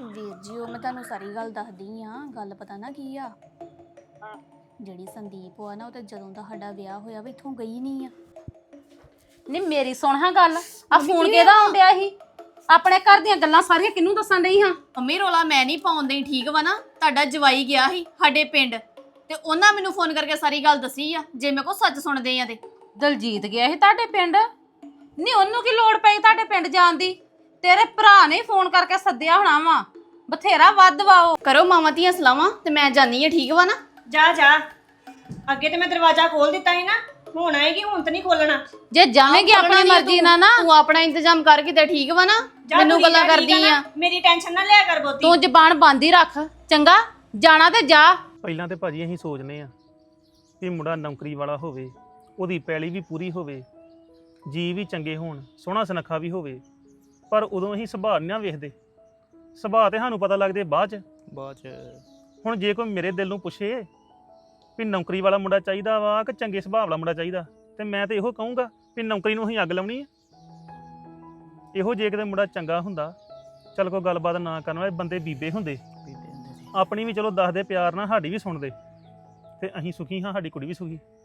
ਵੀਰ ਜੀ ਉਹ ਮੈਂ ਤੁਹਾਨੂੰ ਸਾਰੀ ਗੱਲ ਦੱਸਦੀ ਆ। ਗੱਲ ਪਤਾ ਨਾ ਕੀ ਆ, ਜਿਹੜੀ ਸੰਦੀਪ ਆ ਨਾ ਉਹ ਤੇ ਜਦੋਂ ਦਾ ਸਾਡਾ ਵਿਆਹ ਹੋਇਆ ਵਾ ਇੱਥੋਂ ਗਈ ਨਹੀਂ ਆ। ਨਹੀਂ ਮੇਰੀ ਸੁਣ ਹਾਂ ਗੱਲ, ਆ ਫੋਨ ਕਿਹਦਾ ਆਉਂਦਿਆ ਸੀ? ਆਪਣੇ ਘਰ ਦੀਆਂ ਗੱਲਾਂ ਸਾਰੀਆਂ ਕਿਹਨੂੰ ਦੱਸਣ ਡਈ ਹਾਂ? ਮੰਮੀ ਰੋਲਾ ਮੈਂ ਨਹੀਂ ਪਾਉਂਦੀ, ਠੀਕ ਵਾ ਨਾ? ਤੁਹਾਡਾ ਜਵਾਈ ਗਿਆ ਸੀ ਸਾਡੇ ਪਿੰਡ ਤੇ ਉਹਨਾਂ ਮੈਨੂੰ ਫੋਨ ਕਰਕੇ ਸਾਰੀ ਗੱਲ ਦੱਸੀ ਆ। ਜੇ ਮੇਰੇ ਕੋ ਸੱਚ ਸੁਣਦੇ ਆ ਤੇ ਦਲਜੀਤ ਗਿਆ ਸੀ ਤੁਹਾਡੇ ਪਿੰਡ? ਨਹੀਂ ਉਹਨੂੰ ਕੀ ਲੋੜ ਪਈ ਤੁਹਾਡੇ ਪਿੰਡ ਜਾਣ ਦੀ? ਤੇਰੇ ਭਰਾ ਨੇ ਫੋਨ ਕਰਕੇ ਸੱਦਿਆ ਹੋਣਾ ਵਾ, ਬਥੇਰਾ ਵੱਧ ਵਾ ਉਹ। ਕਰੋ ਮਾਵਾਂ ਧੀਆਂ ਸਲਾਵਾਂ ਤੇ ਮੈਂ ਜਾਨੀ ਆ, ਠੀਕ ਵਾ ਨਾ? ਜਾ ਜਾ, ਅੱਗੇ ਤੇ ਮੈਂ ਦਰਵਾਜ਼ਾ ਖੋਲ ਦਿੱਤਾ ਸੀ ਨਾ, ਹੁਣ ਆਏਗੀ, ਹੁਣ ਤੇ ਨਹੀਂ ਖੋਲਣਾ। ਜੇ ਜਾਵੇਂਗੀ ਆਪਣੀ ਮਰਜ਼ੀ ਨਾਲ ਨਾ, ਤੂੰ ਆਪਣਾ ਇੰਤਜ਼ਾਮ ਕਰ ਕਿਤੇ, ਠੀਕ ਵਾ ਨਾ? ਮੈਨੂੰ ਗੱਲਾਂ ਕਰਦੀ ਆ। ਮੇਰੀ ਟੈਨਸ਼ਨ ਨਾ ਲਿਆ ਕਰ ਬਹੁਤੀ। ਤੂੰ ਜ਼ਬਾਨ ਬੰਦ ਹੀ ਰੱਖ, ਚੰਗਾ? ਜਾਣਾ ਤੇ ਜਾ। ਪਹਿਲਾਂ ਤੇ ਭਾਜੀ ਅਸੀਂ ਸੋਚਨੇ ਆ ਕਿ ਮੁੰਡਾ ਨੌਕਰੀ ਵਾਲਾ ਹੋਵੇ, ਉਹਦੀ ਪੈਲੀ ਵੀ ਪੂਰੀ ਹੋਵੇ, ਜੀ ਵੀ ਚੰਗੇ ਹੋਣ, ਸੋਹਣਾ ਸੁਨੱਖਾ ਵੀ ਹੋਵੇ। ਪਰ ਉਦੋਂ ਅਸੀਂ ਸੁਭਾਅ ਨਹੀਂ ਨਾ ਵੇਖਦੇ। ਸੁਭਾਅ ਤੇ ਸਾਨੂੰ ਪਤਾ ਲੱਗਦੇ ਬਾਅਦ ਚ। ਹੁਣ ਜੇ ਕੋਈ ਮੇਰੇ ਦਿਲ ਨੂੰ ਪੁੱਛੇ ਵੀ ਨੌਕਰੀ ਵਾਲਾ ਮੁੰਡਾ ਚਾਹੀਦਾ ਵਾ ਕਿ ਚੰਗੇ ਸੁਭਾਅ ਵਾਲਾ ਮੁੰਡਾ ਚਾਹੀਦਾ, ਤੇ ਮੈਂ ਤੇ ਇਹੋ ਕਹੂੰਗਾ ਵੀ ਨੌਕਰੀ ਨੂੰ ਅਸੀਂ ਅੱਗ ਲਾਉਣੀ ਆ। ਇਹੋ ਜੇ ਕਿਤੇ ਮੁੰਡਾ ਚੰਗਾ ਹੁੰਦਾ, ਚੱਲ ਕੋਈ ਗੱਲਬਾਤ ਨਾ ਕਰਨ ਵਾਲੇ ਬੰਦੇ ਬੀਬੇ ਹੁੰਦੇ, ਆਪਣੀ ਵੀ ਚਲੋ ਦੱਸਦੇ ਪਿਆਰ ਨਾਲ, ਸਾਡੀ ਵੀ ਸੁਣਦੇ, ਤੇ ਅਸੀਂ ਸੁਖੀ ਹਾਂ, ਸਾਡੀ ਕੁੜੀ ਵੀ ਸੁਖੀ।